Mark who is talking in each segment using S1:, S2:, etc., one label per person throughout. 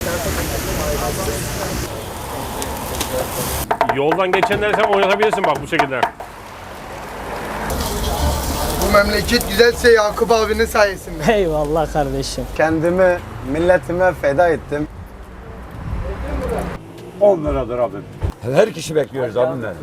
S1: Yoldan geçenleri sen oynatabilirsin bak bu şekilde.
S2: Bu memleket güzelse Yakup abinin sayesinde.
S3: Eyvallah kardeşim.
S4: Kendimi milletime feda ettim.
S5: 10 liradır abim. Her kişi bekliyoruz abimden.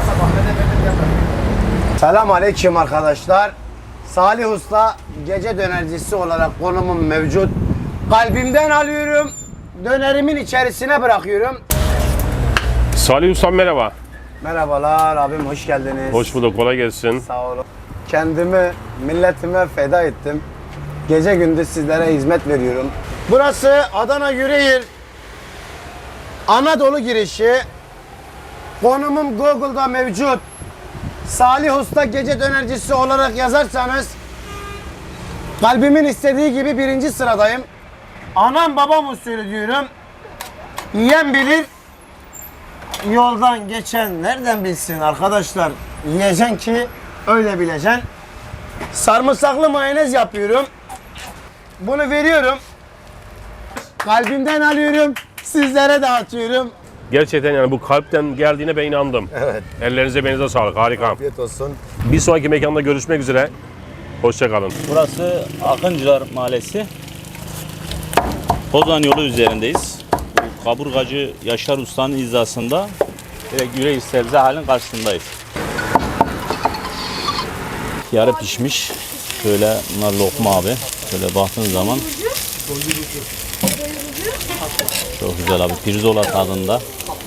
S4: Selam aleyküm arkadaşlar. Salih Usta gece dönercisi olarak konumum mevcut. Kalbimden alıyorum, dönerimin içerisine bırakıyorum.
S1: Salih Usta merhaba.
S4: Merhabalar abim, hoş geldiniz.
S1: Hoş bulduk, kolay gelsin.
S4: Sağ olun. Kendimi milletime feda ettim. Gece gündüz sizlere hizmet veriyorum. Burası Adana Yüreğir Anadolu girişi. Konumum Google'da mevcut. Salih Usta gece dönercisi olarak yazarsanız kalbimin istediği gibi birinci sıradayım. Anam babam usulü diyorum. Yiyen bilir. Yoldan geçen nereden bilsin arkadaşlar? Yiyeceksin ki öyle bileceksin. Sarımsaklı mayonez yapıyorum. Bunu veriyorum. Kalbimden alıyorum. Sizlere dağıtıyorum.
S1: Gerçekten yani bu kalpten geldiğine ben inandım.
S4: Evet.
S1: Ellerinize benize sağlık, harika.
S4: Afiyet olsun.
S1: Bir sonraki mekanda görüşmek üzere. Hoşça kalın.
S6: Burası Akıncılar Mahallesi. Kozan yolu üzerindeyiz. Bu kaburgacı Yaşar Usta'nın hizasında direkt Yüreğir sebze halinin karşısındayız. Yarı pişmiş. Şöyle bunlar lokma abi. Şöyle baktığın zaman çok güzel abi. Pirzola tadında.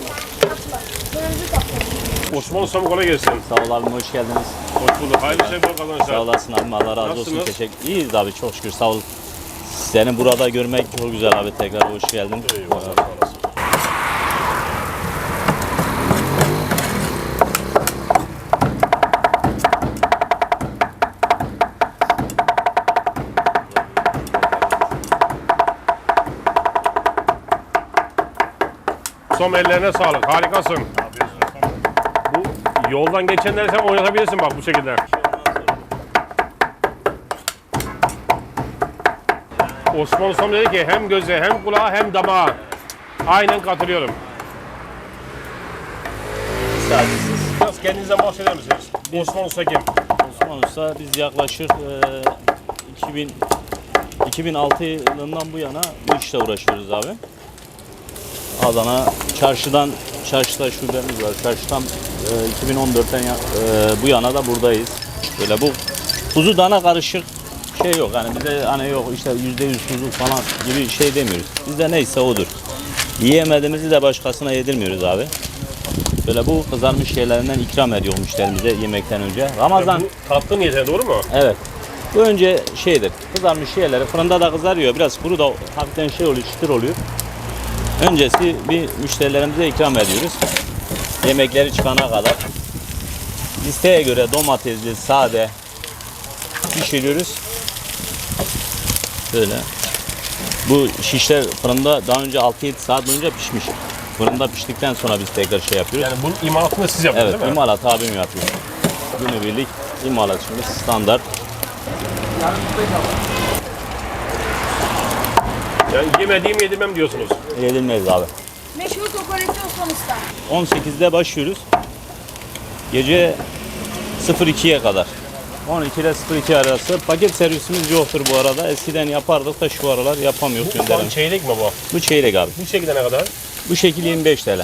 S1: Osman Ustam kolay gelsin.
S6: Sağ ol abim, hoş geldiniz.
S1: Hoş bulduk. Hayırlı şey bol kazançlar.
S6: Sağ olasın abim, Allah razı olsun.
S1: Nasılsınız?
S6: Teşekkür. İyiyiz abi, çok şükür, sağ ol. Seni burada görmek çok güzel abi, tekrar hoş geldin.
S1: Eyvallah, sağ olasın. Son ellerine sağlık. Harikasın. Bu yoldan geçenleri sen oynatabilirsin bak bu şekilde. Osman Ustam dedi ki hem göze hem kulağa hem damağa. Aynen katılıyorum. Biraz kendinizden bahseder misiniz? Osman Usta kim?
S6: Osman Usta, biz yaklaşık 2006 yılından bu yana bu işle uğraşıyoruz abi. Adana çarşıda şubemiz var. Çarşıdan 2014'ten bu yana da buradayız. Böyle bu kuzu dana karışık şey yok. Yani bize hani yok işte %100 kuzu falan gibi şey demiyoruz. Bizde neyse odur. Yiyemediğimizi de başkasına yedirmiyoruz abi. Böyle bu kızarmış şeylerinden ikram ediyor müşterimize yemekten önce. Ramazan.
S1: Yani bu tatlı niyetine doğru mu?
S6: Evet. Bu önce şeydir. Kızarmış şeyleri fırında da kızarıyor. Biraz kuru da hafiften şey oluyor, çıtır oluyor. Öncesi bir müşterilerimize ikram ediyoruz. Yemekleri çıkana kadar. İsteğe göre domatesli, sade pişiriyoruz. Böyle. Bu şişler fırında daha önce 6-7 saat boyunca pişmiş. Fırında piştikten sonra biz tekrar şey yapıyoruz.
S1: Yani bunun imalatını siz yapıyorsunuz
S6: Evet,
S1: değil mi?
S6: imalat abim yapıyor. Günübirlik imalatçımız standart.
S1: Yani yemediğimi yedirmem diyorsunuz.
S6: Yenilmez abi.
S7: Meşhur kokoreççi Osman Usta.
S6: 18'de başlıyoruz. Gece 02'ye kadar. 12 ile 02 arası. Paket servisimiz yoktur bu arada. Eskiden yapardık da şu aralar yapamıyoruz.
S1: Bu şu an
S6: Gönderelim.
S1: çeyrek mi bu?
S6: Bu çeyrek abi.
S1: Bu şekilde ne kadar?
S6: Bu şekil 25 TL.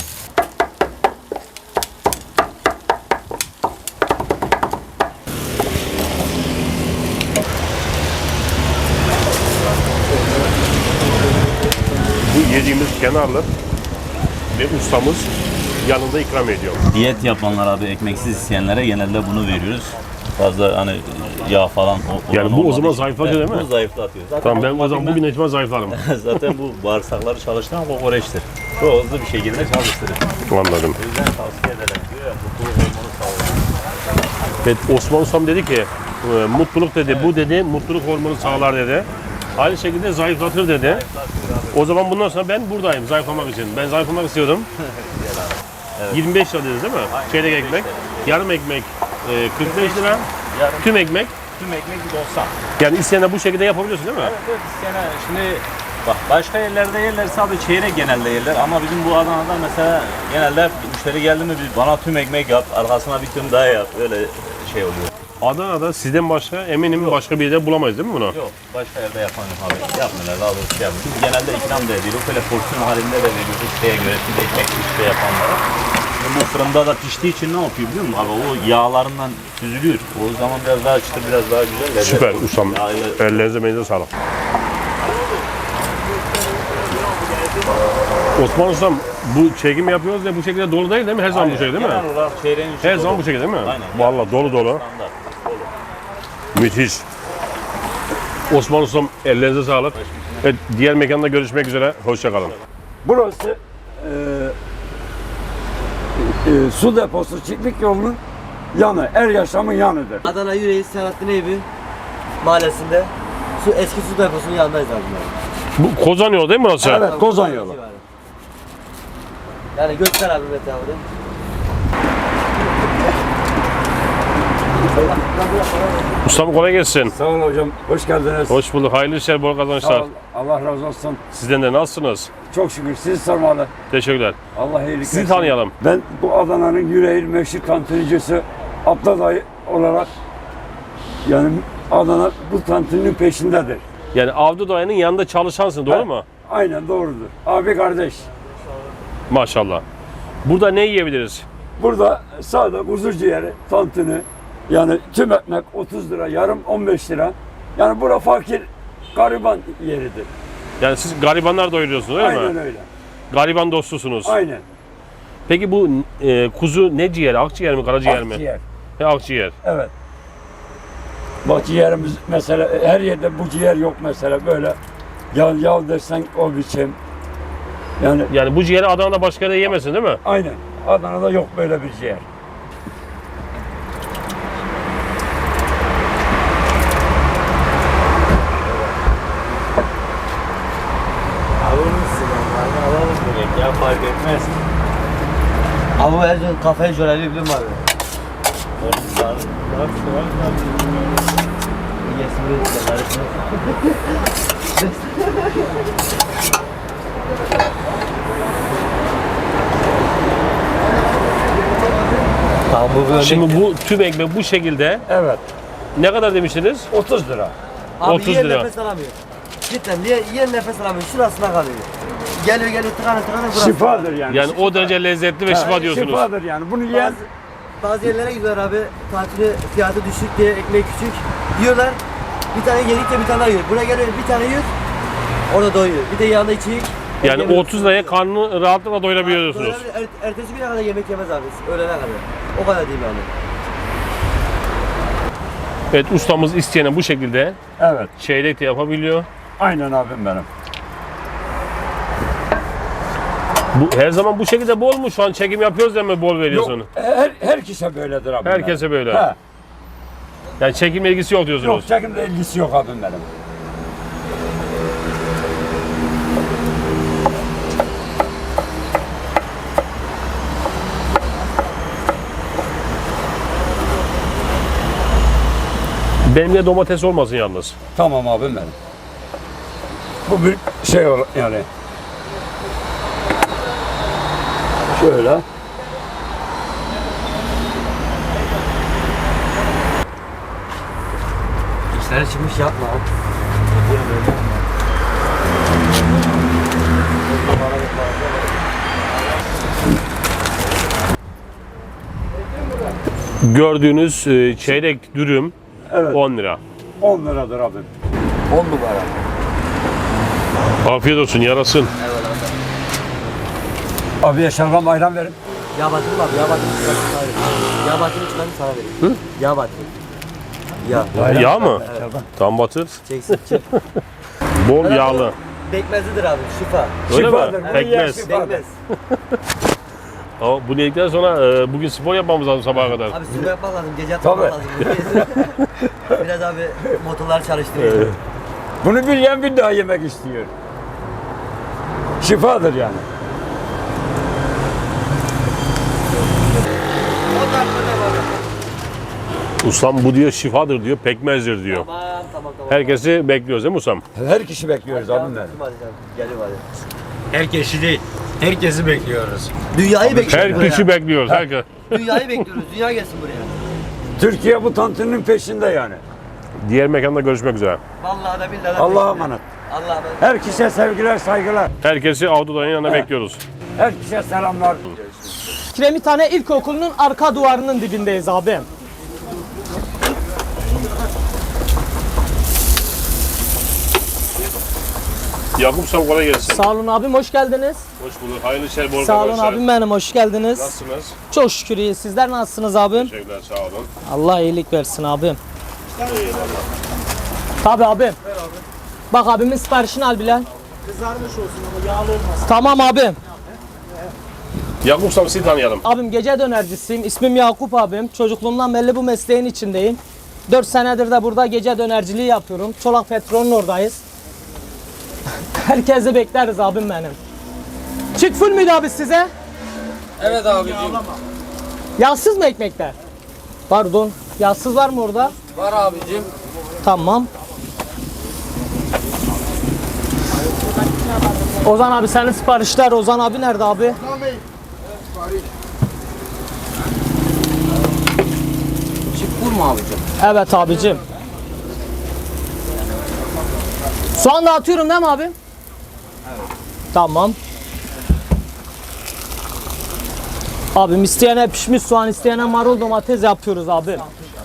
S1: Bu yediğimiz kenarlı ve ustamız yanında ikram ediyor.
S6: Diyet yapanlar abi, ekmeksiz isteyenlere genelde bunu veriyoruz. Fazla hani yağ falan
S1: Yani bu o zaman
S6: için.
S1: zayıflatıyor değil mi?
S6: Bu zayıflatıyor. Zaten
S1: Tamam ben o zaman bugün etime zayıflarım.
S6: zaten bu bağırsakları çalıştıran kokoreçtir. Çok hızlı bir şekilde çalıştırır.
S1: Anladım.
S6: O yüzden tavsiye ederim diyor ya, mutluluk hormonu sağlıyor.
S1: Evet, Osman Ustam dedi ki mutluluk dedi, bu dedi mutluluk hormonu sağlar dedi. Aynı şekilde zayıflatır dedi. O zaman bundan sonra ben buradayım zayıflamak için. Ben zayıflamak istiyordum. 25 lira dediniz değil mi? Çeyrek ekmek, yarım ekmek 45 lira, tüm ekmek.
S6: Tüm ekmek 90.
S1: Yani isteyene bu şekilde yapabiliyorsun değil mi?
S6: Evet, isteyene şimdi Bak başka yerlerde yerlerse abi çeyrek genelde yerler ama bizim bu Adana'da mesela genelde müşteri geldi mi bana tüm ekmek yap, arkasına bir tüm daha yap, öyle şey oluyor.
S1: Adana'da sizden başka eminim başka bir yerde bulamayız değil mi bunu?
S6: Yok başka yerde yapan yok abi. Yapmıyorlar daha doğrusu şey yapmıyor. Biz genelde ikram da ediyoruz, böyle porsiyon halinde de veriyoruz şeye göre, şimdi ekmek işte yapanlara. Bu fırında da piştiği için ne yapıyor biliyor musun abi? O yağlarından süzülüyor. O zaman biraz daha çıtır, biraz daha güzel. lezzet
S1: Süper
S6: oluyor.
S1: ustam.
S6: Yağıyla-
S1: Ellerinize meyinize sağlık. Osman ustam bu çekim yapıyoruz ya bu şekilde dolu değil mi? Her zaman bu şekilde değil mi?
S6: Genel olarak çeyreğin içi
S1: Her
S6: dolu.
S1: zaman bu şekilde değil mi?
S6: Aynen.
S1: Vallahi dolu dolu.
S6: Standart.
S1: Müthiş. Osman ustam ellerinize sağlık. Evet, diğer mekanda görüşmek üzere. Hoşça kalın.
S5: Burası su deposu Çiftlik yolunun yanı, Er Yaşam'ın yanıdır.
S3: Adana Yüreği Selahattin Eyüp'ü mahallesinde eski su deposunun yanındayız abi.
S1: Bu Kozan yolu değil mi burası?
S5: Evet, Kozan yolu.
S3: Yani göster abi Mete abi.
S1: Ustam kolay gelsin.
S5: Sağ olun hocam, hoş geldiniz.
S1: Hoş bulduk. Hayırlı işler, bol
S5: Sağ
S1: kazançlar.
S5: ol, Allah razı olsun.
S1: Sizden de nasılsınız?
S5: Çok şükür sizi sormalı.
S1: Teşekkürler.
S5: Allah iyilik
S1: Sizi
S5: versin.
S1: tanıyalım.
S5: Ben bu Adana'nın yüreği meşhur tantunicisi Abla dayı olarak yani Adana bu tantuninin peşindedir.
S1: Yani Avdu Dayı'nın yanında çalışansın, doğru
S5: Evet.
S1: mu?
S5: Aynen doğrudur. Abi kardeş.
S1: Maşallah. Burada ne yiyebiliriz?
S5: Burada sade kuzu ciğeri, tantuni, yani tüm ekmek 30 lira, yarım 15 lira. Yani bura fakir, gariban yeridir.
S1: Yani siz garibanlar doyuruyorsunuz öyle
S5: Aynen
S1: mi?
S5: öyle.
S1: Gariban dostusunuz.
S5: Aynen.
S1: Peki bu kuzu ne ciğeri? Akciğer mi, karaciğer mi?
S5: Akciğer.
S1: He, akciğer.
S5: Evet. Bak ciğerimiz mesela her yerde bu ciğer yok mesela böyle. Yağ dersen o biçim. Yani
S1: Yani bu ciğeri Adana'da başka yerde yemezsin değil mi?
S5: aynen. Adana'da yok böyle bir ciğer.
S6: Ya fark etmez.
S3: Abi her gün kafayı jöleli biliyor musun abi? Yesin bir karışma. Tamam bu bir
S1: Şimdi bu tüm ekmek bu şekilde
S5: Evet.
S1: ne kadar demiştiniz?
S5: 30 lira.
S3: Abi
S1: 30
S3: yiyen
S1: lira.
S3: nefes alamıyor. Cidden yiyen nefes alamıyor. Şurasına kalıyor. Geliyor tıkanır burası.
S5: Şifadır yani.
S1: Yani o derece lezzetli ve şifa diyorsunuz.
S5: Şifadır yani. Bunu yiyen
S3: Bazı yerlere gidiyorlar abi. Tatili fiyatı düşük diye ekmeği küçük. Yiyorlar. Bir tane yedikçe bir tane daha yiyor. Buraya geliyor bir tane yiyor. Orada doyuyor. Bir de yanında içecek.
S1: Yani
S3: Yemek
S1: 30 liraya karnını rahatlıkla doyurabiliyorsunuz.
S3: doyurabilir. Ertesi güne kadar yemek yemez abi. Öğlene kadar. O kadar değil yani.
S1: Evet, ustamız isteyene bu şekilde
S5: evet.
S1: çeyrek de yapabiliyor.
S5: Aynen abim benim.
S1: Bu her zaman bu şekilde bol mu? Şu an çekim yapıyoruz ya mı bol veriyorsun?
S5: Yok, herkese böyledir abim
S1: Herkese
S5: benim.
S1: böyle.
S5: He.
S1: Yani çekimle ilgisi yok diyorsunuz.
S5: Yok çekimle ilgisi yok abim benim.
S1: Benimle domates olmasın yalnız.
S5: Tamam abim benim. Bu bir şey yani. Şöyle.
S3: İşleri çıkmış yapma.
S1: Gördüğünüz çeyrek dürüm
S5: Evet.
S1: 10 lira.
S5: 10 liradır abim.
S3: 10 numara.
S1: Afiyet olsun, yarasın.
S5: Abiye şalgam ayran verin.
S3: Yağ batırım abi. Yağ batırım çıkarım sana vereyim. Yağ batırım çıkarım sana vereyim. Yağ batırım. Yağ.
S1: Yağ mı?
S5: Şalgam.
S1: Tam batır.
S3: Çeksin çık.
S1: Bol yağlı.
S3: Bekmezlidir abi. Şifa.
S1: Öyle
S5: Şifadır,
S1: mi?
S5: bunu yiyen
S1: Pekmez.
S5: şifa.
S3: Bekmez.
S1: Ama bunu yedikten sonra bugün spor yapmamız lazım sabaha kadar.
S3: Abi spor yapmak lazım. Gece yatmak
S5: Tabii.
S3: lazım. Biraz abi motorlar çalıştırıyor.
S5: Bunu bir yiyen bir daha yemek istiyor. Şifadır yani.
S1: Ustam bu diyor şifadır diyor, pekmezdir diyor.
S3: Tamam tamam.
S1: Herkesi bekliyoruz değil mi Usam?
S5: Her kişi bekliyoruz abimler.
S3: Geliyor hadi.
S4: Herkesi değil, herkesi bekliyoruz.
S3: Dünyayı bekliyoruz.
S1: Her kişi bekliyoruz. Herkes.
S3: Dünyayı bekliyoruz. Dünya gelsin buraya.
S5: Türkiye bu tantuninin peşinde yani.
S1: Diğer mekanda görüşmek üzere.
S3: Vallahi da billahi.
S5: Allah'a emanet.
S3: Allah'a emanet.
S5: Herkese sevgiler, saygılar.
S1: Herkesi Avduday'ın yanına bekliyoruz.
S5: Herkese selamlar.
S8: Kiremithane İlkokulu'nun arka duvarının dibindeyiz abi.
S1: Yakup Usam kolay gelsin.
S8: Sağ olun abim, hoş geldiniz.
S1: Hoş bulduk. Hayırlı işler, bol
S8: Sağ olun
S1: kazançlar.
S8: abim benim, hoş geldiniz.
S1: Nasılsınız?
S8: Çok şükür iyi. Sizler nasılsınız abim?
S1: Teşekkürler, sağ olun.
S8: Allah iyilik versin abim. Tabii abim. Bak abimin siparişini al Bilal. Kızarmış olsun ama yağlı olmasın. Tamam abim.
S1: Yakup Usam sizi tanıyalım.
S8: Abim gece dönercisiyim. İsmim Yakup abim. Çocukluğumdan belli bu mesleğin içindeyim. 4 senedir de burada gece dönerciliği yapıyorum. Çolak Petrol'ün oradayız. Herkesi bekleriz abim benim. Çift full müydü abi size?
S9: Evet abicim.
S8: Yağsız mı ekmekler? Pardon. Yağsız var mı orada?
S9: Var abicim.
S8: Tamam. Ozan abi senin siparişler. Ozan abi nerede abi?
S2: Tamam bey. Sipariş.
S9: Çift mu abicim?
S8: Evet abicim. Soğan da atıyorum değil mi abi? Evet. Tamam. Abim isteyene pişmiş soğan, isteyene marul domates yapıyoruz abi.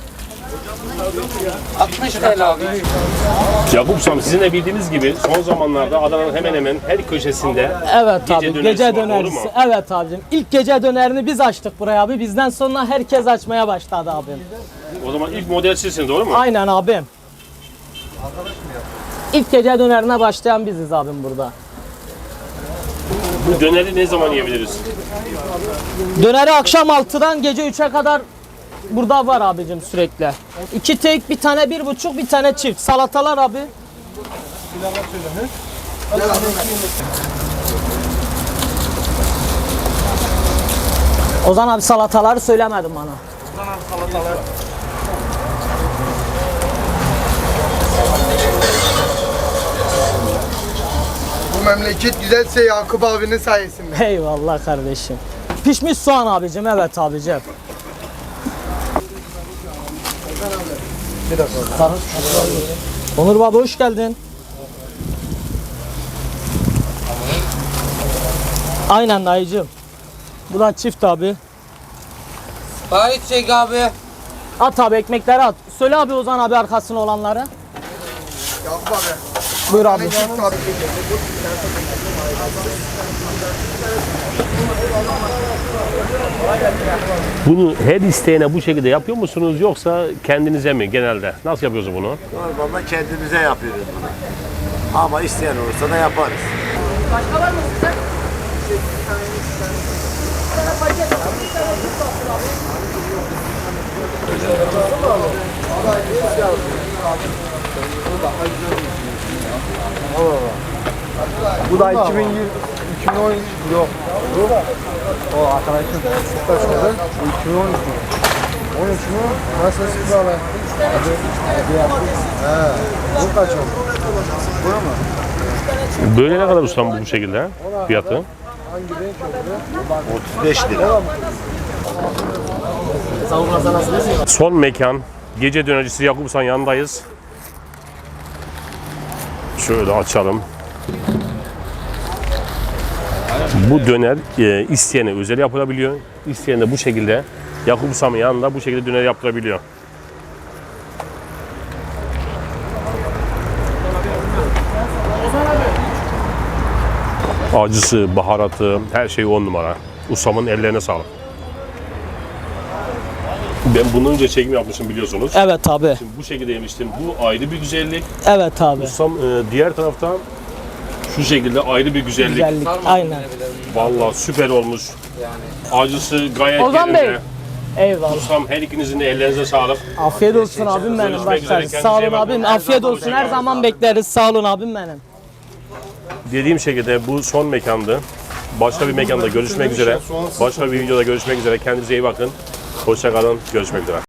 S9: 60 TL abi.
S1: Yakup Usam sizin de bildiğiniz gibi son zamanlarda Adana'nın hemen hemen her köşesinde
S8: Evet
S1: Gece
S8: abi,
S1: dönerisi
S8: gece
S1: var, doğru
S8: dönerisi.
S1: mu?
S8: Evet abicim. İlk gece dönerini biz açtık buraya abi. Bizden sonra herkes açmaya başladı abim.
S1: o zaman ilk model sizsiniz, doğru mu?
S8: Aynen abim. İlk gece dönerine başlayan biziz abim burada.
S1: Bu döneri ne zaman yiyebiliriz?
S8: Döneri akşam 6'dan gece 3'e kadar burada var abicim sürekli. 2 tek, bir tane 1,5, bir tane çift. Salatalar abi. Ozan abi salataları söylemedin bana.
S2: Bu memleket güzelse Yakup abinin sayesinde.
S8: Eyvallah kardeşim. Pişmiş soğan abicim, evet abicim. Onur baba hoş geldin. Aynen dayıcım. Bu da çift abi.
S9: Sipariş çek abi.
S8: At abi ekmekleri at. Söyle abi Ozan abi arkasına olanları.
S2: Yakup abi.
S8: Buyur abi.
S2: Ne çift abi.
S1: Bunu her isteyene bu şekilde yapıyor musunuz yoksa kendinize mi genelde? Nasıl yapıyorsunuz bunu?
S4: Normalde kendimize yapıyoruz bunu. Ama isteyen olursa da yaparız.
S2: Bu da 2020 2010 yok. O arkadaşım kaç oldu? 2013 mü? 13 mü? Nasıl sıkı ala? Bu kaç oldu? Bu mu?
S1: Böyle ne kadar ustam bu şekilde fiyatı?
S2: Hangi renk oldu?
S4: 35 lira.
S1: Son mekan gece dönercisi Yakup Ustam'ın yanındayız. Şöyle açalım. Bu döner isteyene özel yapılabiliyor. İsteyen de bu şekilde Yakup Ustam'ın yanında bu şekilde döner yaptırabiliyor. Acısı, baharatı, her şey 10 numara. Ustamın ellerine sağlık. Ben bundan önce çekim yapmışım biliyorsunuz.
S8: Evet abi.
S1: Şimdi bu şekilde yemiştim. Bu ayrı bir güzellik.
S8: Evet abi.
S1: Ustam diğer taraftan şu şekilde ayrı bir güzellik.
S8: Güzellik. Aynen.
S1: Vallahi süper olmuş. Acısı gayet
S8: Ozan Bey.
S1: yerinde.
S8: Eyvallah.
S1: Ustam her ikinizin de ellerinize sağlık.
S8: Afiyet olsun abim benim.
S1: Görüşmek üzere,
S8: Başlarız.
S1: kendinize
S8: Sağ
S1: iyi
S8: olun
S1: bakın.
S8: abim.
S1: Her
S8: Afiyet
S1: zaman
S8: olsun. Her
S1: bekleriz.
S8: zaman bekleriz. Sağ olun abim benim.
S1: Dediğim şekilde bu son mekandı. Başka bir mekanda görüşmek üzere. Başka bir videoda görüşmek üzere. Kendinize iyi bakın. Hoşça kalın. Görüşmek üzere.